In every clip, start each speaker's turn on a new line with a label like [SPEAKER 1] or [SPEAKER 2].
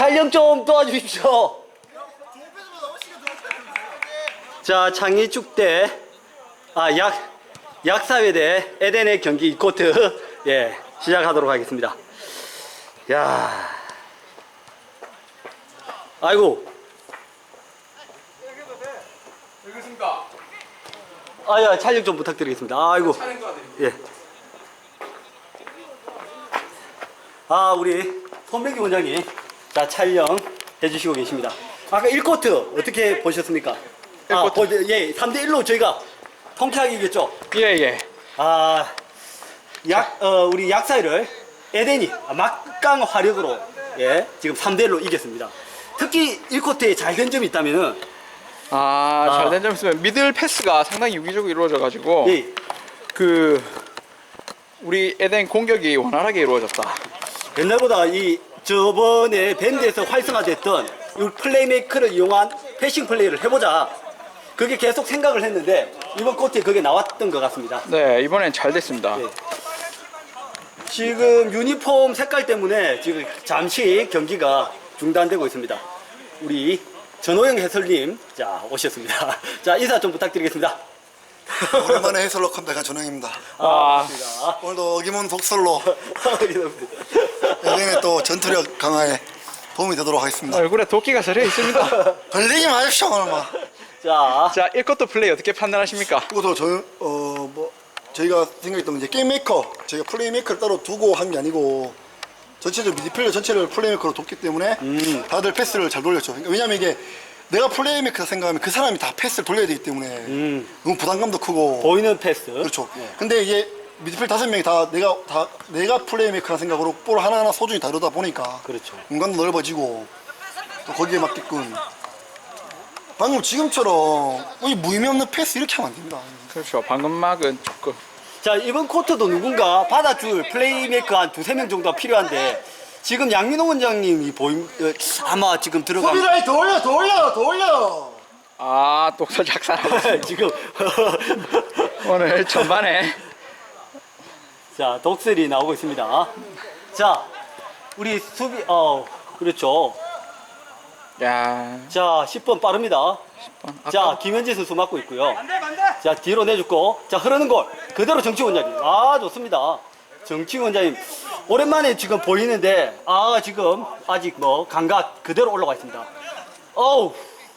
[SPEAKER 1] 촬영 좀 도와주십시오. 자, 창의축대 약사회대 에덴의 경기 2코트 예, 시작하도록 하겠습니다. 야, 아이고.
[SPEAKER 2] 여기있습니까?
[SPEAKER 1] 아야, 촬영 좀 부탁드리겠습니다. 아이고. 예. 아, 우리 손백기 원장님, 자, 촬영 해주시고 계십니다. 아까 1코트 어떻게 보셨습니까?
[SPEAKER 2] 1코트.
[SPEAKER 1] 예, 3대1로 저희가 통쾌하게 이겼죠?
[SPEAKER 2] 예.
[SPEAKER 1] 아, 우리 약사회를 에덴이 막강 화력으로 예, 지금 3대1로 이겼습니다. 특히 1코트에 잘 된 점이 있다면은
[SPEAKER 2] 잘된 점 있으면 미들 패스가 상당히 유기적으로 이루어져가지고
[SPEAKER 1] 예,
[SPEAKER 2] 우리 에덴 공격이 원활하게 이루어졌다.
[SPEAKER 1] 옛날보다 저번에 밴드에서 활성화됐던 이 플레이메이커를 이용한 패싱 플레이를 해보자. 그게 계속 생각을 했는데 이번 코트에 그게 나왔던 것 같습니다.
[SPEAKER 2] 네, 이번엔 잘 됐습니다.
[SPEAKER 1] 네. 지금 유니폼 색깔 때문에 지금 잠시 경기가 중단되고 있습니다. 우리 전호영 해설님, 자, 오셨습니다. 자, 인사 좀 부탁드리겠습니다.
[SPEAKER 3] 오랜만에 해설로 컴백한 전영입니다.
[SPEAKER 1] 반갑습니다.
[SPEAKER 3] 오늘도 어김없는 독설로 에덴의 또 전투력 강화에 도움이 되도록 하겠습니다.
[SPEAKER 2] 얼굴에 도끼가 서려 있습니다.
[SPEAKER 3] 걸리지 마십시오 오늘만.
[SPEAKER 1] 자,
[SPEAKER 2] 1쿼터 플레이 어떻게 판단하십니까?
[SPEAKER 3] 그것도 저희가 생각했던 게 게임 메이커, 저희가 플레이 메이커를 따로 두고 한 게 아니고 전체적으로 미드필더 전체를 플레이 메이커로 뒀기 때문에 다들 패스를 잘 돌렸죠. 그러니까 왜냐면 이게 내가 플레이 메이커 생각하면 그 사람이 다 패스를 돌려야 되기 때문에 너무 부담감도 크고
[SPEAKER 1] 보이는 패스.
[SPEAKER 3] 그렇죠.
[SPEAKER 1] 예.
[SPEAKER 3] 근데 이게 미드필더 5명이 내가 플레이 메이커라는 생각으로 볼 하나하나 소중히 다루다 보니까
[SPEAKER 1] 그렇죠.
[SPEAKER 3] 공간도 넓어지고 또 거기에 맞게끔 방금 지금처럼 이 무의미 없는 패스 이렇게 하면 안 됩니다.
[SPEAKER 2] 그렇죠. 방금 막은 조금.
[SPEAKER 1] 자, 이번 쿼터도 누군가 받아줄 플레이메이커 한 2-3명 정도가 필요한데 지금 양민호 원장님이 아마 지금 들어가면
[SPEAKER 3] 수비라인 더 올려.
[SPEAKER 2] 또 살짝 살아.
[SPEAKER 1] 지금
[SPEAKER 2] 오늘 전반에
[SPEAKER 1] 자, 독설이 나오고 있습니다. 자, 우리 수비 그렇죠.
[SPEAKER 2] 야,
[SPEAKER 1] 자, 10번 빠릅니다. 자,
[SPEAKER 2] 아까
[SPEAKER 1] 김현재 선수 맡고 있고요. 자, 뒤로 내줬고, 자, 흐르는 골 그대로 정치 원장님. 좋습니다. 정치 원장님 오랜만에 지금 보이는데 지금 아직 감각 그대로 올라가 있습니다. 어우.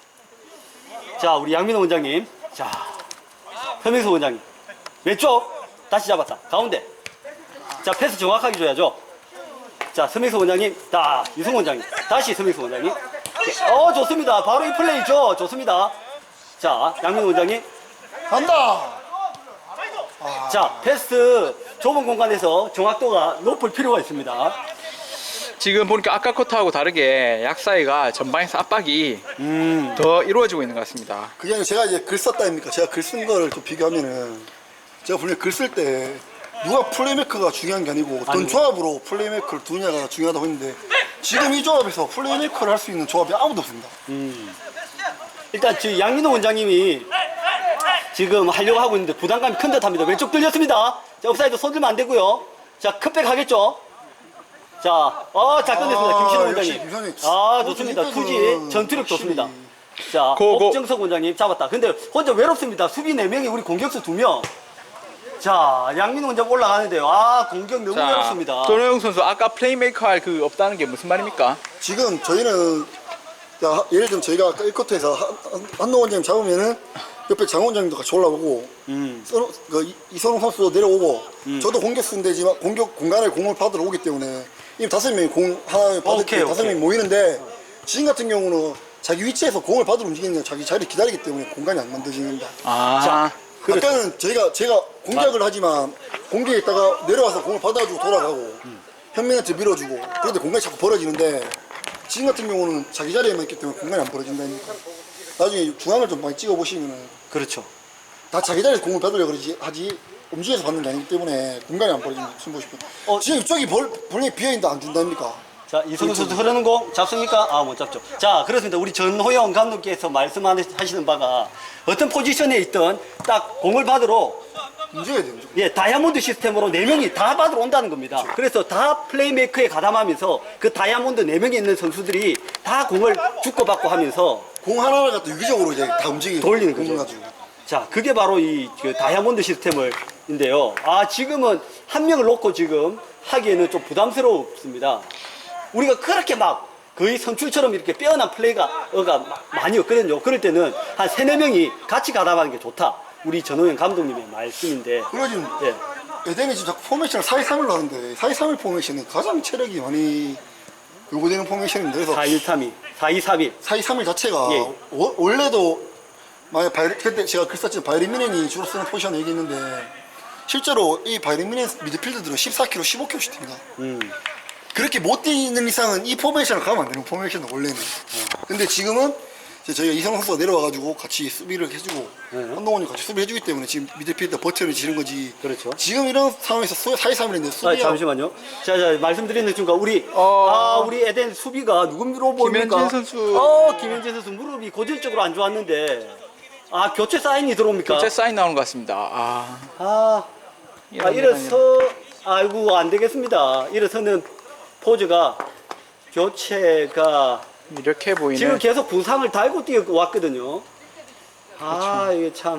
[SPEAKER 1] 자, 우리 양민호 원장님. 자, 현명수 원장님 왼쪽 다시 잡았다. 가운데. 자, 패스 정확하게 줘야죠. 자, 서명수 원장님, 유승 원장님, 다시 서명수 원장님. 좋습니다. 바로 이 플레이죠. 좋습니다. 자, 양민호 원장님.
[SPEAKER 3] 간다.
[SPEAKER 1] 자, 패스 좁은 공간에서 정확도가 높을 필요가 있습니다.
[SPEAKER 2] 지금 보니까 아까 쿼터하고 다르게 약사이가 전방에서 압박이 더 이루어지고 있는 것 같습니다.
[SPEAKER 3] 그게 아니라 제가 이제 글 썼다 아닙니까? 제가 글 쓴 거를 좀 비교하면은 제가 분명히 글 쓸 때 누가 플레이메이커가 중요한 게 아니고 어떤 조합으로 플레이메이커를 두냐가 중요하다고 했는데 지금 이 조합에서 플레이메이커를 할 수 있는 조합이 아무도 없습니다.
[SPEAKER 1] 일단 지금 양민호 원장님이 지금 하려고 하고 있는데 부담감이 큰 듯합니다. 왼쪽 뚫렸습니다. 자, 업사이드 손들면 안 되고요. 자, 컵백 하겠죠. 자, 잘 끝냈습니다. 김신호
[SPEAKER 3] 역시
[SPEAKER 1] 원장님.
[SPEAKER 3] 김선희.
[SPEAKER 1] 좋습니다.
[SPEAKER 3] 이때는
[SPEAKER 1] 투지 전투력
[SPEAKER 3] 확실히.
[SPEAKER 1] 좋습니다. 자,
[SPEAKER 2] 고.
[SPEAKER 1] 옥정석 원장님 잡았다. 근데 혼자 외롭습니다. 수비 4명이 우리 공격수 2명. 자, 양민호 원장 올라가는데요. 공격 너무 외롭습니다.
[SPEAKER 2] 전호영 선수 아까 플레이메이커 할 그 없다는 게 무슨 말입니까?
[SPEAKER 3] 지금 저희는 예를 들면 저희가 아까 1쿼터에서 한동 원장님 잡으면은 옆에 장 원장님도 같이 올라오고 이선호 선수도 내려오고 저도 공격수인데지만 공격 공간에 공을 받으러 오기 때문에 이미 5명이 공 하나 받을 때 5명이 모이는데 지금 같은 경우는 자기 위치에서 공을 받으러 움직이는 게 자기 자리를 기다리기 때문에 공간이 안 만들어집니다. 아까는 제가 공격을 하지만 공격에 있다가 내려와서 공을 받아주고 돌아가고 현민한테 밀어주고 그런데 공간이 자꾸 벌어지는데 지금 같은 경우는 자기 자리에만 있기 때문에 공간이 안 벌어진다니까. 나중에 중앙을 좀 많이 찍어보시면은
[SPEAKER 1] 그렇죠.
[SPEAKER 3] 다 자기 자리에서 공을 받으려고 하지 움직여서 받는 게 아니기 때문에 공간이 안 벌어지는 거 보시면 지금 이쪽이 벌레 비어있는데 안 준다니까.
[SPEAKER 1] 자, 이승우 선수 흐르는 공 잡습니까? 못 잡죠. 자, 그렇습니다. 우리 전호영 감독께서 말씀하시는 바가 어떤 포지션에 있든 딱 공을 받으러
[SPEAKER 3] 움직여야 돼요. 무조건.
[SPEAKER 1] 예, 다이아몬드 시스템으로 4명이 다 받으러 온다는 겁니다. 그래서 다 플레이메이커에 가담하면서 그 다이아몬드 4명이 있는 선수들이 다 공을 주고받고 하면서
[SPEAKER 3] 공 하나를 갖다 유기적으로 이제 다 움직이고
[SPEAKER 1] 돌리는
[SPEAKER 3] 공
[SPEAKER 1] 거죠.
[SPEAKER 3] 가지고.
[SPEAKER 1] 자, 그게 바로 그 다이아몬드 시스템인데요. 아, 지금은 한 명을 놓고 지금 하기에는 좀 부담스럽습니다. 우리가 그렇게 막 거의 선출처럼 이렇게 빼어난 플레이가 많이 없거든요. 그럴 때는 한 3, 4명이 같이 가담하는 게 좋다. 우리 전호영 감독님의 말씀인데.
[SPEAKER 3] 그리고 지금
[SPEAKER 1] 예.
[SPEAKER 3] 에덴이 지금 자꾸 포메이션을 4-2-3-1로 하는데 4-2-3-1 포메이션은 가장 체력이 많이 요구되는 포메이션인데 그래서
[SPEAKER 1] 4-1-3-2, 4-2-3-1.
[SPEAKER 3] 4-2-3-1 자체가
[SPEAKER 1] 예.
[SPEAKER 3] 원래도 만약 그때 제가 글 썼지만 바이에른 뮌헨이 주로 쓰는 포지션 얘기했는데 실제로 이 바이에른 뮌헨 미드필더들은 14kg, 15kg씩 뜁니다. 그렇게 못 뛰는 이상은 이 포메이션을 가면 안 되는 포메이션은 원래는. 근데 지금은 이제 저희가 이성 선수가 내려와가지고 같이 수비를 해주고 한동원이 같이 수비를 해주기 때문에 지금 미드필더 버텨를 지는 거지.
[SPEAKER 1] 그렇죠.
[SPEAKER 3] 지금 이런 상황에서 4-2-3-1인데
[SPEAKER 1] 아,
[SPEAKER 3] 수비가
[SPEAKER 1] 잠시만요. 자, 말씀드리는 순간 우리 우리 에덴 수비가 누구로 보입니까?
[SPEAKER 2] 김현진 선수.
[SPEAKER 1] 김현진 선수 무릎이 고질적으로 안 좋았는데 교체 사인이 들어옵니까?
[SPEAKER 2] 교체 사인 나오는 것 같습니다.
[SPEAKER 1] 일어서 아이고 안 되겠습니다. 일어서는 포즈가 교체가
[SPEAKER 2] 이렇게 보이는.
[SPEAKER 1] 지금 계속 부상을 달고 뛰어왔거든요. 이게 참.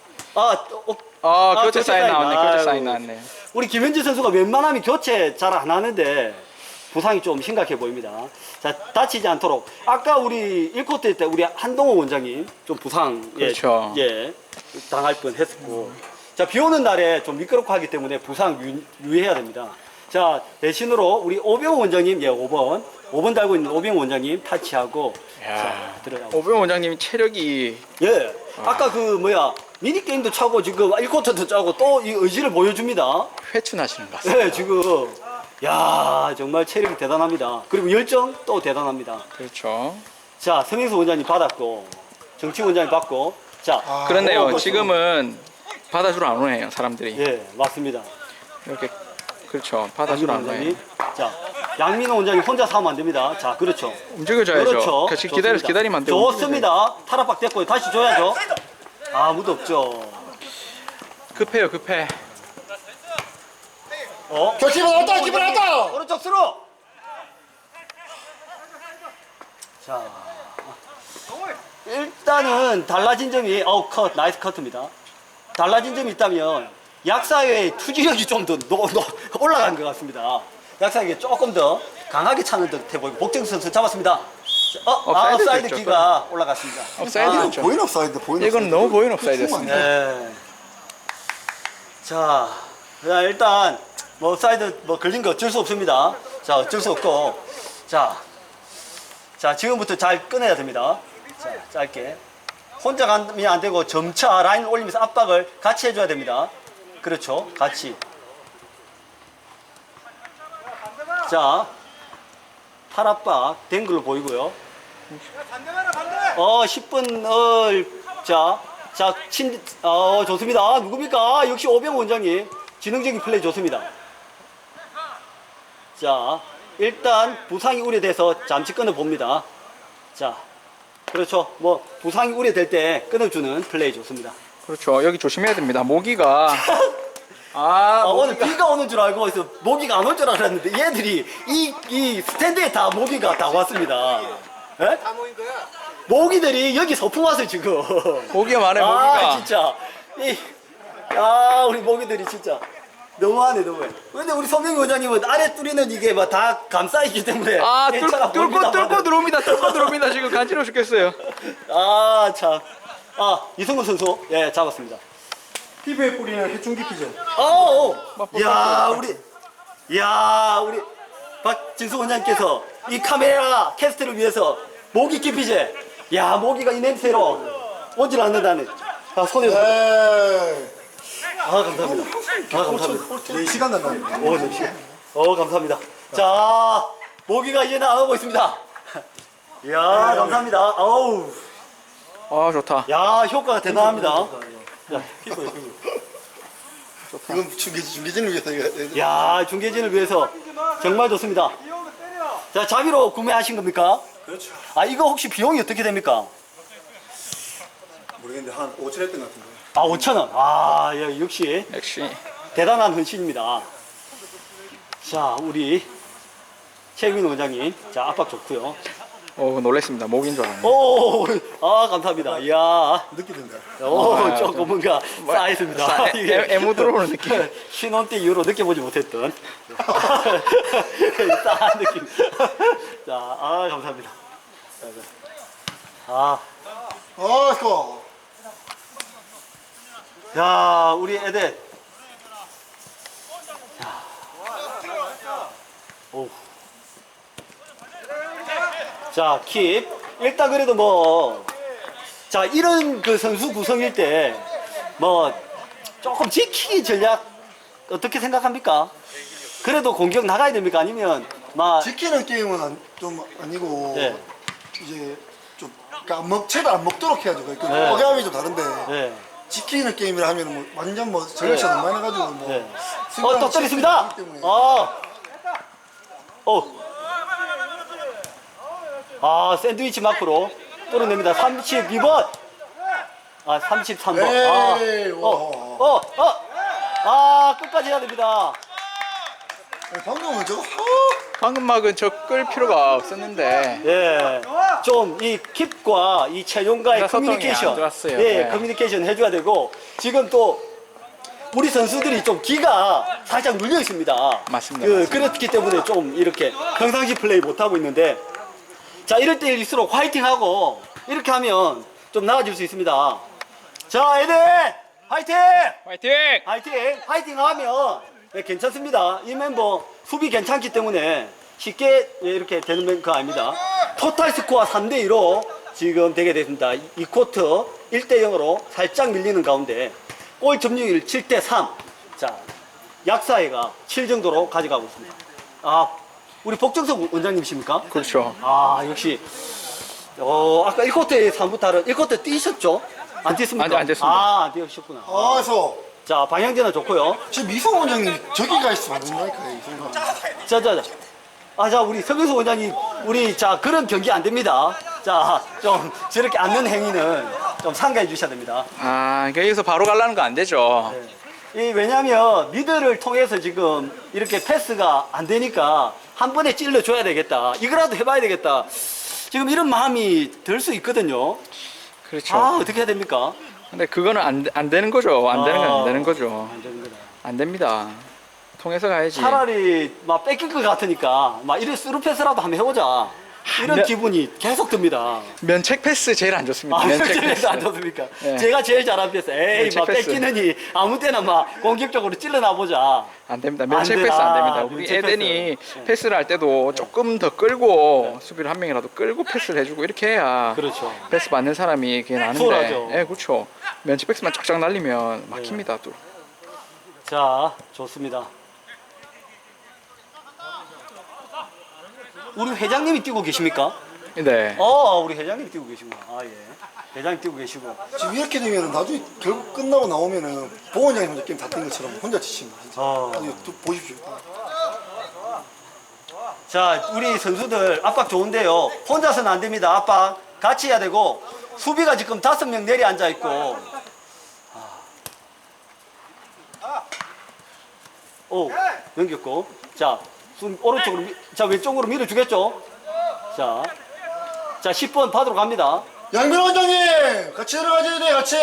[SPEAKER 2] 교체 사인 나왔네. 교체
[SPEAKER 1] 아이고.
[SPEAKER 2] 사인 나왔네.
[SPEAKER 1] 우리 김현지 선수가 웬만하면 교체 잘 안 하는데 부상이 좀 심각해 보입니다. 자, 다치지 않도록. 아까 우리 1쿼터 때 우리 한동호 원장님 좀 부상
[SPEAKER 2] 그렇죠.
[SPEAKER 1] 당할 뻔 했었고. 자, 비 오는 날에 좀 미끄럽고 하기 때문에 부상 유의해야 됩니다. 자, 대신으로 우리 오병호 원장님 5번 달고 있는 오병호 원장님 타치하고 자, 들어가고.
[SPEAKER 2] 오병 원장님이 체력이
[SPEAKER 1] 아까 미니게임도 차고 지금 1쿼터도 짜고 또 이 의지를 보여줍니다.
[SPEAKER 2] 회춘하시는 것 같습니다.
[SPEAKER 1] 지금 정말 체력이 대단합니다. 그리고 열정 또 대단합니다.
[SPEAKER 2] 그렇죠.
[SPEAKER 1] 자, 서명수 원장님 받았고 정치 원장님 받고 자,
[SPEAKER 2] 그렇네요. 지금은 받아주러 안 오네요, 사람들이.
[SPEAKER 1] 맞습니다.
[SPEAKER 2] 이렇게 그렇죠. 받아주러 안
[SPEAKER 1] 원장님.
[SPEAKER 2] 오네요.
[SPEAKER 1] 자, 양민호 원장님 혼자 사면 안 됩니다. 자, 그렇죠.
[SPEAKER 2] 움직여줘야죠.
[SPEAKER 1] 그렇죠.
[SPEAKER 2] 같이
[SPEAKER 1] 좋습니다.
[SPEAKER 2] 기다리면 안 돼요.
[SPEAKER 1] 좋습니다. 탈압박 됐고요. 다시 줘야죠. 아무도 없죠.
[SPEAKER 2] 급해요, 급해.
[SPEAKER 3] 저 기분 왔다 기분 왔다.
[SPEAKER 1] 오른쪽 수로. 자, 일단은 달라진 점이 나이스 커트입니다. 달라진 점이 있다면 약사의 투지력이 좀 더 올라간 것 같습니다. 약사에게 조금 더 강하게 차는 듯해 보이고 복정 선수 잡았습니다. 사이드
[SPEAKER 2] 됐죠.
[SPEAKER 1] 키가 올라갔습니다.
[SPEAKER 2] 업사이드
[SPEAKER 3] 이건
[SPEAKER 2] 됐죠.
[SPEAKER 3] 보이는 옵사이드 보이는
[SPEAKER 2] 이건
[SPEAKER 3] 옵사이드.
[SPEAKER 2] 너무 보이는 옵사이드였습니다.
[SPEAKER 1] 네. 자, 일단 사이드 걸린 거 어쩔 수 없습니다. 자, 어쩔 수 없고 자, 지금부터 잘 꺼내야 됩니다. 자, 짧게 혼자 가면 안 되고 점차 라인을 올리면서 압박을 같이 해줘야 됩니다. 그렇죠, 같이. 자, 팔 압박 된 걸로 보이고요. 10분 자, 좋습니다. 누굽니까? 역시 오병호 원장님. 지능적인 플레이 좋습니다. 자, 일단 부상이 우려돼서 잠시 끊어봅니다. 자, 그렇죠. 부상이 우려될 때 끊어주는 플레이 좋습니다.
[SPEAKER 2] 그렇죠. 여기 조심해야 됩니다. 모기가.
[SPEAKER 1] 오늘 비가 오는 줄 알고 모기가 안 올 줄 알았는데 얘들이 이 스탠드에 다 모기가 다 왔습니다. 예?
[SPEAKER 4] 다 모인 거야?
[SPEAKER 1] 모기들이 여기 소풍 왔어요 지금.
[SPEAKER 2] 모기가 많아요, 모기가.
[SPEAKER 1] 진짜 우리 모기들이 진짜 너무하네. 근데 우리 서명희 원장님은 아래 뚫리는 이게 다 감싸있기 때문에 괜찮아 보입니다.
[SPEAKER 2] 뚫고 들어옵니다. 지금 간지러워 죽겠어요.
[SPEAKER 1] 참. 이성근 선수 잡았습니다.
[SPEAKER 3] 피부에 뿌리는 해충 기피제.
[SPEAKER 1] 우리 박진수 원장님께서 이 카메라 캐스트를 위해서 모기 기피제. 모기가 이 냄새로 오질 않는다네. 손에서. 감사합니다. 감사합니다.
[SPEAKER 3] 4시간 난다.
[SPEAKER 1] 감사합니다. 자, 모기가 이제 나가고 있습니다. 감사합니다.
[SPEAKER 2] 좋다.
[SPEAKER 1] 효과가 대단합니다.
[SPEAKER 3] 이건 중계진을 위해서 이거.
[SPEAKER 1] 중계진을 위해서 정말 좋습니다. 자, 자비로 구매하신 겁니까?
[SPEAKER 3] 그렇죠.
[SPEAKER 1] 이거 혹시 비용이 어떻게 됩니까?
[SPEAKER 3] 모르겠는데 한 5천 했던 것 같은데.
[SPEAKER 1] 아, 5,000원. 아, 예, 역시
[SPEAKER 2] 역시
[SPEAKER 1] 대단한 헌신입니다. 자, 우리 최민 원장님. 자, 압박 좋고요.
[SPEAKER 2] 놀랬습니다. 목인 줄 알았네.
[SPEAKER 1] 오, 아, 감사합니다. 이야.
[SPEAKER 3] 느끼던데.
[SPEAKER 1] 오, 조금 뭔가 쌓였습니다.
[SPEAKER 2] 애무 들어오는 느낌.
[SPEAKER 1] 신혼 때 이후로 느껴보지 못했던 싸한 느낌. 자, 아, 감사합니다. 아,
[SPEAKER 3] 이거.
[SPEAKER 1] 야, 우리 애들. 오. 자, 킵. 일단 그래도 뭐, 자, 이런 그 선수 구성일 때, 뭐, 조금 지키기 전략, 어떻게 생각합니까? 그래도 공격 나가야 됩니까? 아니면, 막,
[SPEAKER 3] 지키는 게임은 좀 아니고
[SPEAKER 1] 네.
[SPEAKER 3] 이제 좀 그러니까 채를 안 먹도록 해야죠. 그
[SPEAKER 1] 네.
[SPEAKER 3] 억압이 좀 다른데
[SPEAKER 1] 네.
[SPEAKER 3] 지키는 게임이라 하면 뭐 완전 뭐 전력차 너무 많이 해가지고 뭐
[SPEAKER 1] 네.
[SPEAKER 3] 승부랑
[SPEAKER 1] 또 때렸습니다!
[SPEAKER 3] 치기 때문에.
[SPEAKER 1] 샌드위치 마크로 뚫어냅니다. 32번! 아, 33번.
[SPEAKER 3] 에이,
[SPEAKER 1] 끝까지 해야 됩니다.
[SPEAKER 3] 방금은 저거
[SPEAKER 2] 방금 막은 저 끌 필요가 없었는데.
[SPEAKER 1] 예. 좀 이 킵과 이 최용과의
[SPEAKER 2] 소통이
[SPEAKER 1] 커뮤니케이션.
[SPEAKER 2] 안 좋았어요.
[SPEAKER 1] 예,
[SPEAKER 2] 네.
[SPEAKER 1] 커뮤니케이션 해줘야 되고, 지금 또, 우리 선수들이 좀 기가 살짝 눌려 있습니다.
[SPEAKER 2] 맞습니다.
[SPEAKER 1] 그렇기 때문에 좀 이렇게 평상시 플레이 못하고 있는데, 자, 이럴 때일수록 화이팅하고, 이렇게 하면 좀 나아질 수 있습니다. 자, 애들! 화이팅!
[SPEAKER 2] 화이팅!
[SPEAKER 1] 화이팅! 화이팅 하면 네, 괜찮습니다. 이 멤버 수비 괜찮기 때문에 쉽게 이렇게 되는 거 아닙니다. 토탈 스코어 3대2로 지금 되게 됐습니다. 이 쿼트 1대0으로 살짝 밀리는 가운데 골 점유율 7대3. 자, 약사회가 7 정도로 가져가고 있습니다. 아, 우리 복정석 원장님이십니까?
[SPEAKER 2] 그렇죠.
[SPEAKER 1] 아, 역시. 아까 1쿼트에 3부타를 1쿼트 뛰셨죠? 안 뛰었습니까?
[SPEAKER 2] 안 뛰었습니다.
[SPEAKER 1] 아, 안 뛰셨구나.
[SPEAKER 3] 그래서
[SPEAKER 1] 자, 방향제는 좋고요.
[SPEAKER 3] 지금 미성 원장님 저기가 있으면 안 된다니까 이 순간.
[SPEAKER 1] 자, 우리 서경수 원장님, 우리, 그런 경기 안 됩니다. 자, 좀, 저렇게 앉는 행위는 좀 상가해 주셔야 됩니다.
[SPEAKER 2] 여기서 바로 가려는 거 안 되죠.
[SPEAKER 1] 왜냐면, 미드를 통해서 지금 이렇게 패스가 안 되니까 한 번에 찔러줘야 되겠다. 이거라도 해봐야 되겠다. 지금 이런 마음이 들 수 있거든요.
[SPEAKER 2] 그렇죠.
[SPEAKER 1] 어떻게 해야 됩니까?
[SPEAKER 2] 근데 그거는 안 되는 거죠. 안 되는 건 안 되는 거죠.
[SPEAKER 1] 안 됩니다.
[SPEAKER 2] 안 됩니다. 통해서 가야지.
[SPEAKER 1] 차라리 막 뺏길 것 같으니까 막 이런 스루 패스라도 한번 해보자. 이런
[SPEAKER 2] 면-
[SPEAKER 1] 기분이 계속 듭니다.
[SPEAKER 2] 면책 패스 제일 안 좋습니다. 면책 패스.
[SPEAKER 1] 안 좋습니까?
[SPEAKER 2] 네.
[SPEAKER 1] 제가 제일 잘하는 패스. 에이,
[SPEAKER 2] 면책
[SPEAKER 1] 막
[SPEAKER 2] 패스.
[SPEAKER 1] 뺏기느니 아무 때나 막 공격적으로 찔러나 보자.
[SPEAKER 2] 안 됩니다. 면책
[SPEAKER 1] 안
[SPEAKER 2] 패스 안 됩니다.
[SPEAKER 1] 된다.
[SPEAKER 2] 우리
[SPEAKER 1] 면책
[SPEAKER 2] 에덴이
[SPEAKER 1] 패스.
[SPEAKER 2] 패스를 할 때도 조금 더 끌고 수비를 한 명이라도 끌고 패스를 해주고 이렇게 해야
[SPEAKER 1] 그렇죠.
[SPEAKER 2] 패스 받는 사람이 그게 나는데.
[SPEAKER 1] 수월하죠.
[SPEAKER 2] 예, 그렇죠. 면책 패스만 쫙쫙 날리면 막힙니다. 또.
[SPEAKER 1] 자, 좋습니다. 우리 회장님이 뛰고 계십니까?
[SPEAKER 2] 네.
[SPEAKER 1] 우리 회장님 뛰고 계시구나. 예. 회장님 뛰고 계시고.
[SPEAKER 3] 지금 이렇게 되면 나중에 결국 끝나고 나오면은 보 원장님 혼자 게임 다 뛴 것처럼 혼자 지칩니다. 진짜. 보십시오.
[SPEAKER 1] 자, 우리 선수들 압박 좋은데요. 혼자서는 안 됩니다. 압박 같이 해야 되고, 수비가 지금 5명 내리 앉아 있고. 넘겼고. 자, 오른쪽으로, 왼쪽으로 밀어주겠죠? 자, 10번 받으러 갑니다.
[SPEAKER 3] 양민 원장님 같이 들어가줘야 돼 같이.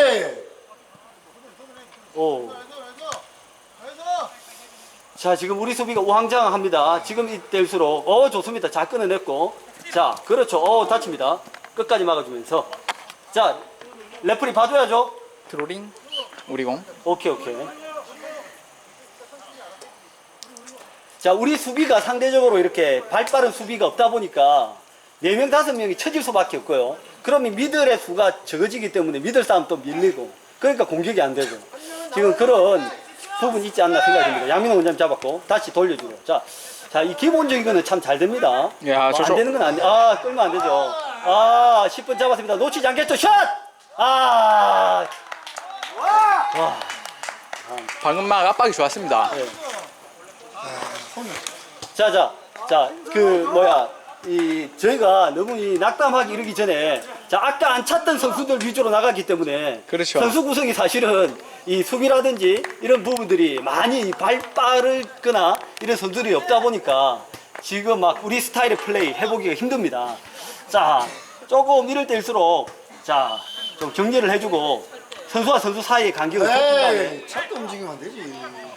[SPEAKER 1] 자, 지금 우리 수비가 우왕좌왕합니다. 지금 이때일수록 좋습니다. 잘 끊어냈고. 자, 그렇죠. 다칩니다. 끝까지 막아주면서. 자, 레프리 봐줘야죠.
[SPEAKER 2] 드로링. 우리 공.
[SPEAKER 1] 오케이. 자, 우리 수비가 상대적으로 이렇게 발빠른 수비가 없다 보니까 4명, 5명이 쳐질 수밖에 없고요. 그러면 미들의 수가 적어지기 때문에 미들 싸움 또 밀리고, 그러니까 공격이 안 되고, 지금 그런 부분이 있지 않나 생각이 듭니다. 양민호 원장님 잡았고, 다시 돌려주고. 자, 이 기본적인 거는 참 잘 됩니다.
[SPEAKER 2] 야,
[SPEAKER 1] 안 되는 건 끌면 안 되죠. 10분 잡았습니다. 놓치지 않겠죠? 샷!
[SPEAKER 2] 방금 막 압박이 좋았습니다.
[SPEAKER 1] 자, 저희가 너무 낙담하기 이르기 전에 자 아까 안 찼던 선수들 위주로 나가기 때문에
[SPEAKER 2] 그렇죠.
[SPEAKER 1] 선수 구성이 사실은 이 수비라든지 이런 부분들이 많이 빠르거나 이런 선수들이 없다 보니까 지금 막 우리 스타일의 플레이 해보기가 힘듭니다. 자 조금 이럴 때일수록 자 좀 정리를 해주고 선수와 선수 사이의 간격을 좁힌 다음에
[SPEAKER 3] 에이, 차도 움직이면 안 되지.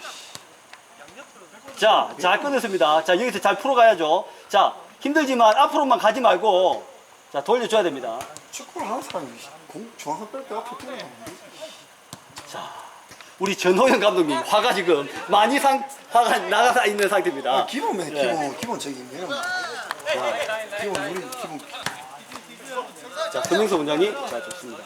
[SPEAKER 1] 자, 잘 끊었습니다. 자, 여기서 잘 풀어가야죠. 자, 힘들지만 앞으로만 가지 말고, 자, 돌려줘야 됩니다.
[SPEAKER 3] 축구를 하는 사람이 중앙선 뺄때 앞에 뛰어나면 안 되지.
[SPEAKER 1] 자, 우리 전호영 감독님, 화가 지금 많이 화가 나가 있는 상태입니다.
[SPEAKER 3] 아, 기본이네,
[SPEAKER 1] 네.
[SPEAKER 3] 기본적인 게. 기본, 우리 기본.
[SPEAKER 1] 자, 손명수 원장님, 자, 좋습니다.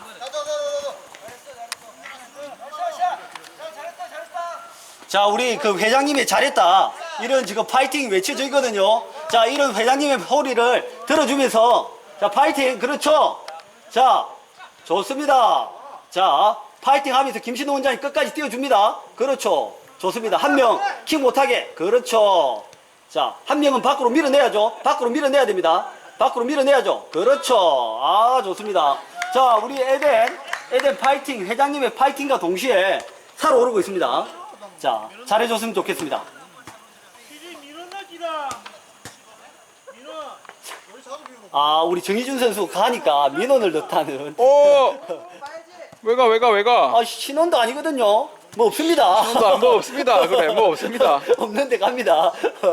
[SPEAKER 1] 자, 우리 그 회장님이 잘했다. 이런 지금 파이팅 외쳐져 있거든요. 자, 이런 회장님의 소리를 들어주면서, 자, 파이팅, 그렇죠. 자, 좋습니다. 자, 파이팅 하면서 김신호 원장이 끝까지 띄워줍니다. 그렇죠. 좋습니다. 한 명 킥 못하게. 그렇죠. 자, 한 명은 밖으로 밀어내야죠. 밖으로 밀어내야 됩니다. 밖으로 밀어내야죠. 그렇죠. 아, 좋습니다. 자, 우리 에덴 파이팅, 회장님의 파이팅과 동시에 살아오르고 있습니다. 자, 잘해줬으면 좋겠습니다. 아, 우리 정희준 선수 가니까 민원을 넣다는.
[SPEAKER 2] 오! 왜가?
[SPEAKER 1] 아, 신원도 아니거든요. 뭐 없습니다.
[SPEAKER 2] 뭐 없습니다. 그래, 뭐 없습니다.
[SPEAKER 1] 없는데 갑니다.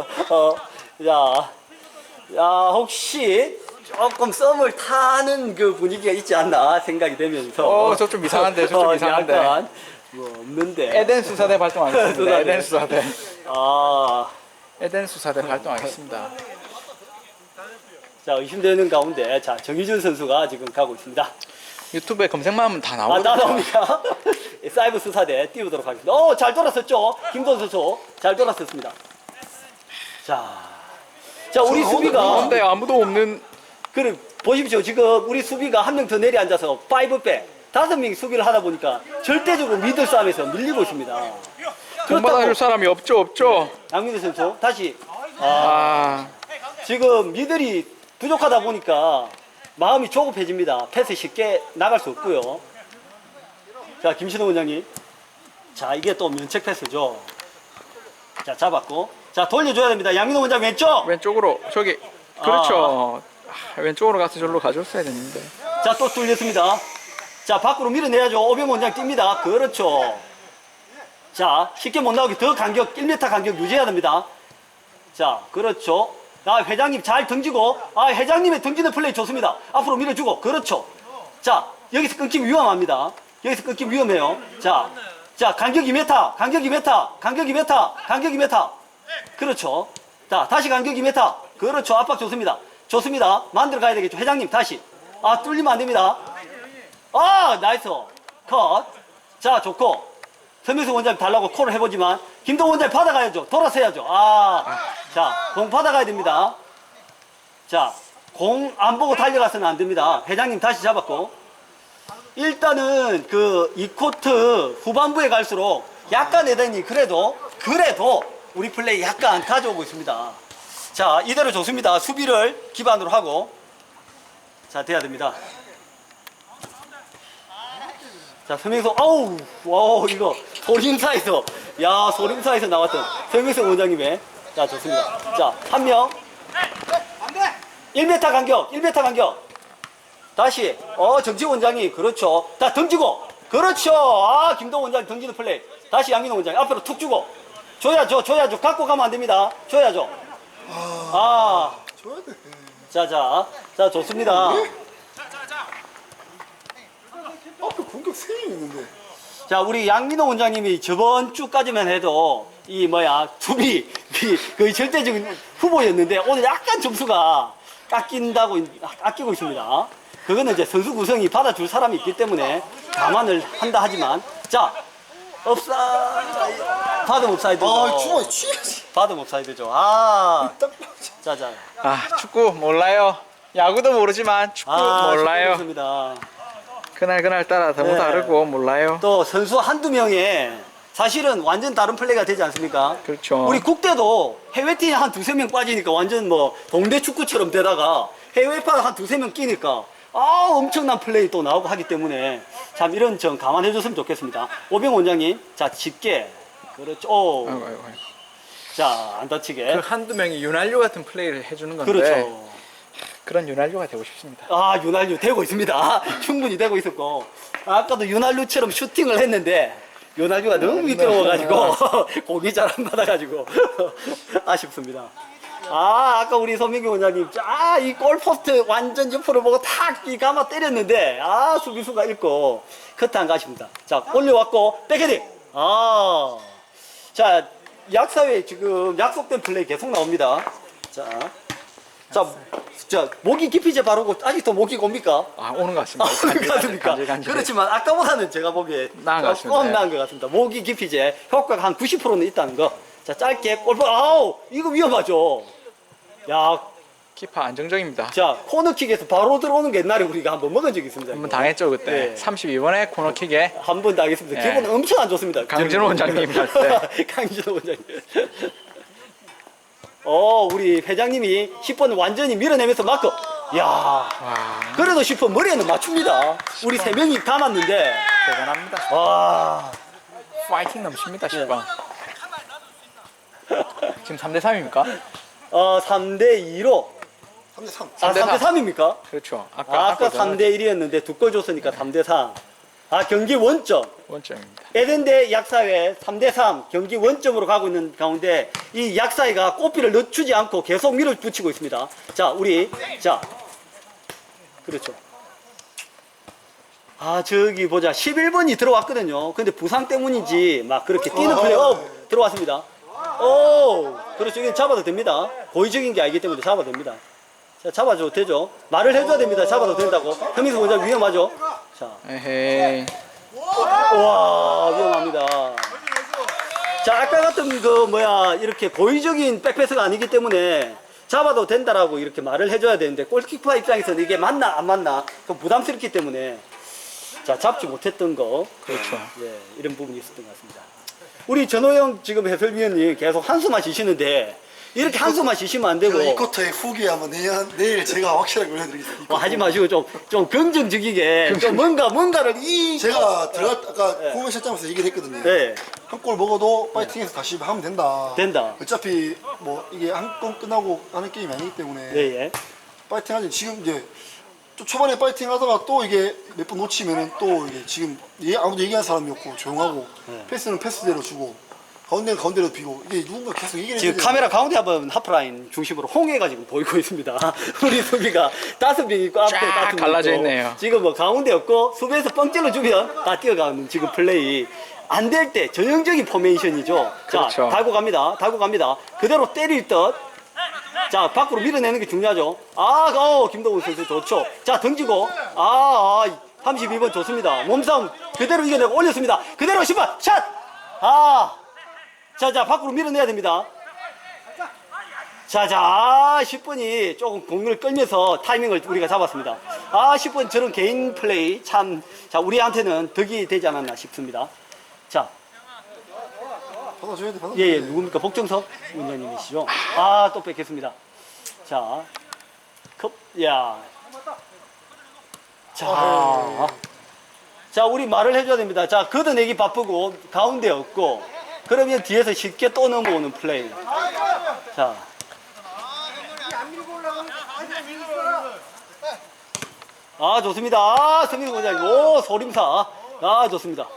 [SPEAKER 1] 자, 혹시 조금 썸을 타는 그 분위기가 있지 않나 생각이 되면서.
[SPEAKER 2] 저 좀 이상한데, 저 좀 이상한데.
[SPEAKER 1] 약간 뭐 없는데.
[SPEAKER 2] 에덴 수사대 발동하겠습니다.
[SPEAKER 1] 수사대.
[SPEAKER 2] 에덴 수사대.
[SPEAKER 1] 아,
[SPEAKER 2] 에덴 수사대 발동하겠습니다.
[SPEAKER 1] 자, 의심되는 가운데, 자, 정희준 선수가 지금 가고 있습니다.
[SPEAKER 2] 유튜브에 검색만 하면 다
[SPEAKER 1] 아,
[SPEAKER 2] 나오거든요.
[SPEAKER 1] 나옵니까? 사이버 수사대 띄우도록 하겠습니다. 잘 돌았었죠? 김도현 선수. 잘 돌았었습니다. 자, 우리 수비가.
[SPEAKER 2] 근데 아무도 없는
[SPEAKER 1] 그래, 보십시오. 지금 우리 수비가 한 명 더 내리 앉아서 5백, 5명이 수비를 하다 보니까 절대적으로 미들 싸움에서 밀리고 있습니다.
[SPEAKER 2] 공 받아줄 사람이 없죠.
[SPEAKER 1] 양민호 선수, 다시. 지금 미들이 부족하다 보니까 마음이 조급해집니다. 패스 쉽게 나갈 수 없고요. 자, 김신호 원장님. 자, 이게 또 면책 패스죠. 자, 잡았고. 자, 돌려줘야 됩니다. 양민호 원장 왼쪽.
[SPEAKER 2] 왼쪽으로 저기 그렇죠. 왼쪽으로 가서 절로 가줬어야 됐는데.
[SPEAKER 1] 자, 또 뚫렸습니다. 자, 밖으로 밀어내야죠. 오병 원장 뜁니다. 그렇죠. 자, 쉽게 못 나오게 더 간격, 1m 간격 유지해야 됩니다. 자, 그렇죠. 회장님 잘 던지고, 회장님의 던지는 플레이 좋습니다. 앞으로 밀어주고, 그렇죠. 자, 여기서 끊기면 위험합니다. 여기서 끊기면 위험해요. 자, 간격 2m, 간격 2m, 간격 2m, 간격 2m. 그렇죠. 자, 다시 간격 2m. 그렇죠. 압박 좋습니다. 좋습니다. 만들어 가야 되겠죠. 회장님, 다시. 뚫리면 안 됩니다. 나이스. 컷. 자, 좋고. 서명수 원장님 달라고 콜을 해보지만, 김동원 원장님 받아가야죠. 돌아서 해야죠. 자, 공 받아가야 됩니다. 자, 공 안 보고 달려가서는 안 됩니다. 회장님 다시 잡았고. 일단은 이 코트 후반부에 갈수록 약간 에덴이 그래도 우리 플레이 약간 가져오고 있습니다. 자, 이대로 좋습니다. 수비를 기반으로 하고. 자, 돼야 됩니다. 자, 서명수, 이거 소림사에서 나왔던 서명수 원장님의. 자, 좋습니다. 자, 한 명. 1m 간격. 다시, 정지호 원장이, 그렇죠. 자, 던지고, 그렇죠. 김동원 원장이 던지는 플레이. 다시 양민호 원장이 앞으로 툭 주고. 줘야죠. 갖고 가면 안 됩니다. 줘야죠.
[SPEAKER 3] 줘야 돼.
[SPEAKER 1] 자, 좋습니다.
[SPEAKER 3] 앞에 공격 3명 있는데.
[SPEAKER 1] 자, 우리 양민호 원장님이 저번 주까지만 해도 수비 거의 절대적인 후보였는데 오늘 약간 점수가 아끼고 있습니다. 그거는 이제 선수 구성이 받아줄 사람이 있기 때문에 감안을 한다 하지만, 자, 받음 옵사이드죠.
[SPEAKER 3] 주머니 취해야지.
[SPEAKER 1] 받음 옵사이드죠. 자.
[SPEAKER 2] 축구 몰라요. 야구도 모르지만 축구 몰라요.
[SPEAKER 1] 좋습니다.
[SPEAKER 2] 그날 따라 너무
[SPEAKER 1] 네.
[SPEAKER 2] 다르고 몰라요.
[SPEAKER 1] 또 선수 한두 명의 사실은 완전 다른 플레이가 되지 않습니까?
[SPEAKER 2] 그렇죠.
[SPEAKER 1] 우리 국대도 해외팀 한 두세 명 빠지니까 완전 뭐 동대 축구처럼 되다가 해외파 한 두세 명 끼니까 엄청난 플레이 또 나오고 하기 때문에 참 이런 점 감안해 줬으면 좋겠습니다. 오병 원장님, 자, 쉽게. 그렇죠. 오.
[SPEAKER 2] 아이고, 아이고, 아이고.
[SPEAKER 1] 자, 안 다치게.
[SPEAKER 2] 그 한두 명이 윤활유 같은 플레이를 해주는 건데
[SPEAKER 1] 그렇죠.
[SPEAKER 2] 그런 윤활유가 되고 싶습니다.
[SPEAKER 1] 아, 윤활유 되고 있습니다. 충분히 되고 있었고. 아까도 윤활유처럼 슈팅을 했는데, 윤활유가 너무 미끄러워가지고, 공이 잘 안 받아가지고, 아쉽습니다. 아까 우리 서민규 원장님, 이 골포스트 완전 옆으로 보고 탁, 이 감아 때렸는데, 수비수가 있고, 커트 안 가십니다. 자, 올려왔고, 백헤딩! 자, 약사회 지금 약속된 플레이 계속 나옵니다. 자, 모기 기피제 바르고 아직도 모기 옵니까?
[SPEAKER 2] 오는 것 같습니다.
[SPEAKER 1] 그렇습니까?
[SPEAKER 2] 간질.
[SPEAKER 1] 그렇지만 아까보다는 제가 보기에
[SPEAKER 2] 나은 것 같습니다.
[SPEAKER 1] 조금 나은 것 같습니다. 모기 기피제 효과가 한 90%는 있다는 거. 자, 짧게 골프, 이거 위험하죠. 야,
[SPEAKER 2] 키퍼 안정적입니다.
[SPEAKER 1] 자, 코너킥에서 바로 들어오는 게 옛날에 우리가 한번 먹은 적이 있습니다.
[SPEAKER 2] 한번 당했죠 그때.
[SPEAKER 1] 네.
[SPEAKER 2] 32번에 코너킥에
[SPEAKER 1] 한 번 당했습니다.
[SPEAKER 2] 네.
[SPEAKER 1] 기분 엄청 안 좋습니다.
[SPEAKER 2] 강진호 원장님 할 때.
[SPEAKER 1] 강진호 원장님. 우리 회장님이 10번 완전히 밀어내면서 마크. 야, 그래도 10번 머리에는 맞춥니다. 우리 3명이 감았는데.
[SPEAKER 2] 대단합니다.
[SPEAKER 1] 와.
[SPEAKER 2] 파이팅 넘칩니다 10번. 지금 3대 3입니까?
[SPEAKER 1] 3대2로.
[SPEAKER 3] 3대3.
[SPEAKER 1] 3대3입니까?
[SPEAKER 2] 그렇죠.
[SPEAKER 1] 아까 3대1이었는데 두 골 줬으니까 3대3. 경기 원점.
[SPEAKER 2] 원점입니다.
[SPEAKER 1] 에덴대 약사회 3대3 경기 원점으로 가고 있는 가운데 이 약사회가 꽃비를 늦추지 않고 계속 밀어붙이고 있습니다. 자, 그렇죠. 저기 보자. 11번이 들어왔거든요. 근데 부상 때문인지 막 그렇게 뛰는 플레이, 들어왔습니다. 그렇죠. 이건 잡아도 됩니다. 고의적인 게 아니기 때문에 잡아도 됩니다. 자, 잡아줘도 되죠. 말을 해줘야 됩니다. 잡아도 된다고. 현민수 원장 위험하죠. 자.
[SPEAKER 2] 에헤이.
[SPEAKER 1] 와, 위험합니다. 자, 아까 같은 이렇게 고의적인 백패스가 아니기 때문에 잡아도 된다라고 이렇게 말을 해줘야 되는데, 골키퍼 입장에서는 이게 맞나, 안 맞나, 좀 부담스럽기 때문에, 자, 잡지 못했던 거.
[SPEAKER 2] 그렇죠.
[SPEAKER 1] 예, 이런 부분이 있었던 것 같습니다. 우리 전호영 지금 해설위원님 계속 한숨만 쉬시는데, 이렇게 한숨만 쉬시면 안 되고.
[SPEAKER 3] 이 쿼터의 후기 한번 내일 제가 확실하게 올려드리겠습니다.
[SPEAKER 1] 하지 마시고 좀 긍정적이게, 좀 뭔가를
[SPEAKER 3] 제가 아까 후면 실장에서 얘기를 했거든요.
[SPEAKER 1] 네.
[SPEAKER 3] 한 골 먹어도 파이팅해서 다시 하면 된다.
[SPEAKER 1] 된다.
[SPEAKER 3] 어차피 이게 한 번 끝나고 하는 게임이 아니기 때문에
[SPEAKER 1] 예.
[SPEAKER 3] 파이팅 하지. 지금 이제 또 초반에 파이팅 하다가 또 이게 몇 번 놓치면은 또 이게 지금 아무도 얘기하는 사람이 없고 조용하고 패스는 패스대로 주고 가운데는 가운데로 비고 이게 누군가 계속 얘기를
[SPEAKER 1] 지금
[SPEAKER 3] 해야
[SPEAKER 1] 카메라 가운데 한번 하프라인 중심으로 홍해가 지금 보이고 있습니다. 우리 수비가 5명 있고 앞에
[SPEAKER 2] 쫙
[SPEAKER 1] 5명
[SPEAKER 2] 갈라져
[SPEAKER 1] 있고
[SPEAKER 2] 있네요.
[SPEAKER 1] 지금 가운데 없고 수비에서 뻥 찔러주면 다 뛰어가는 지금 플레이. 안 될 때 전형적인 포메이션이죠.
[SPEAKER 2] 그렇죠.
[SPEAKER 1] 자, 달고 갑니다. 그대로 때릴 듯. 자, 밖으로 밀어내는 게 중요하죠. 김동훈 선수 좋죠. 자, 던지고. 32번 좋습니다. 몸싸움 그대로 이겨내고 올렸습니다. 그대로 10번 샷! 자, 밖으로 밀어내야 됩니다. 자, 10번이 조금 공을 끌면서 타이밍을 우리가 잡았습니다. 10번 저런 개인 플레이 참, 자, 우리한테는 덕이 되지 않았나 싶습니다. 자,
[SPEAKER 3] 받아줘야 돼.
[SPEAKER 1] 예, 누굽니까? 복정석 원장님이시죠? 또 뺏겠습니다. 자, 자, 우리 말을 해줘야 됩니다. 자, 걷어내기 바쁘고, 가운데 없고, 그러면 뒤에서 쉽게 또 넘어오는 플레이. 자. 좋습니다. 성민 원장님. 소림사. 좋습니다.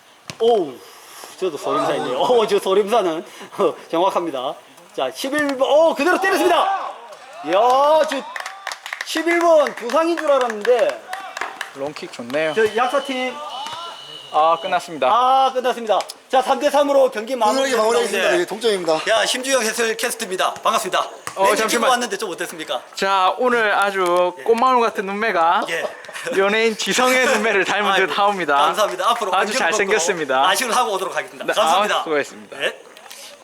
[SPEAKER 1] 저도 소림사이네요. 저 소림사는 정확합니다. 자, 11번. 그대로 때렸습니다. 이야, 11번 부상인 줄 알았는데.
[SPEAKER 2] 롱킥 좋네요.
[SPEAKER 1] 저 약사팀.
[SPEAKER 2] 끝났습니다.
[SPEAKER 1] 끝났습니다. 자, 3대3으로 경기
[SPEAKER 3] 마무리하겠습니다. 네, 동점입니다.
[SPEAKER 1] 야, 심주영 해설 캐스트입니다. 반갑습니다.
[SPEAKER 2] 잠시만.
[SPEAKER 1] 왔는데 좀 어땠습니까?
[SPEAKER 2] 자, 오늘 아주 꽃마울 같은 눈매가 연예인 지성의 눈매를 닮은 듯 하옵니다.
[SPEAKER 1] 감사합니다. 앞으로
[SPEAKER 2] 아주 잘생겼습니다.
[SPEAKER 1] 아쉬운 하고 오도록 하겠습니다.
[SPEAKER 2] 네,
[SPEAKER 1] 감사합니다.
[SPEAKER 2] 수고했습니다.
[SPEAKER 1] 네.